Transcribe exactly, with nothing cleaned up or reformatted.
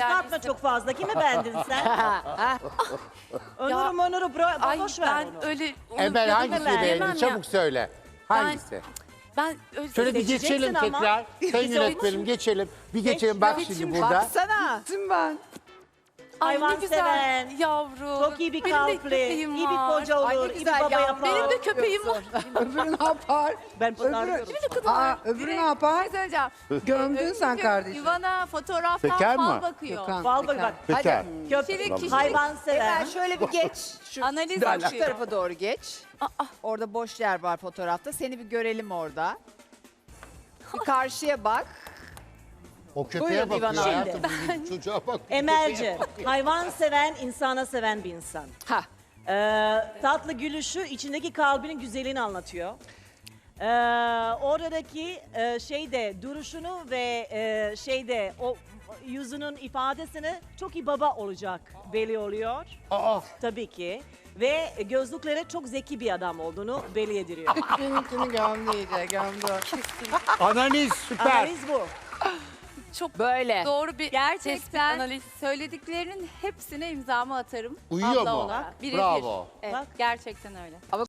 Kısaltma çok fazla. Kimi beğendin sen? Onur'u Onur'u bro- Ay boş ver ben onu. öyle... onu Emel ya da hangisini ben beğendin? yemem ya. Çabuk söyle. Hangisi? Ben öyle Şöyle bir Seçeceksin geçelim ama. tekrar. Sayın Biz yönetmenim olmuş. geçelim. Bir geçelim bak Geç, şimdi geç. burada. Baksana. ben. Ay Hayvan ne güzel seven, yavrum. Çok iyi bir Benim de kalpli, köpeğim iyi bir var. koca Ay, ne olur, iyi bir güzel baba yavrum. yapar. Benim de köpeğim var. Öbürü ne yapar? Ben Öbürü, pazarlıyorum. Aa, öbürü ne yapar? Söyleyeceğim. Gömdün sen kardeşim. Ivana fotoğraftan Bekar fal mı? bakıyor. Gökhan, Bal bak Gökhan. bak. Bekar. Kişilik, Köpek, kişilik. hayvan seven. Emel şöyle bir geç. Şu, Analiz bak, şu yapıyor. tarafa doğru geç. Orada boş yer var fotoğrafta. Seni bir görelim orada. Bir karşıya bak. O köpeğe Buyurun bakıyor İvan abi. hayatım. bu Çocuğa bak. Emelci, hayvan seven, insana seven bir insan. Ha. Ee, tatlı gülüşü içindeki kalbinin güzelliğini anlatıyor. Ee, oradaki e, şeyde duruşunu ve e, şeyde o yüzünün ifadesini çok iyi baba olacak belli oluyor. Aa, Tabii ki. Ve gözlükleri çok zeki bir adam olduğunu belli ediliyor. Benimkini gömdü iyice gömdü. analiz süper. Analiz bu. Çok Böyle. doğru bir tespit, Gerçekten analiz. söylediklerinin hepsine imzamı atarım. Uyuyor abla mu? olarak. Birebir. Bravo. Evet, Bak. gerçekten öyle.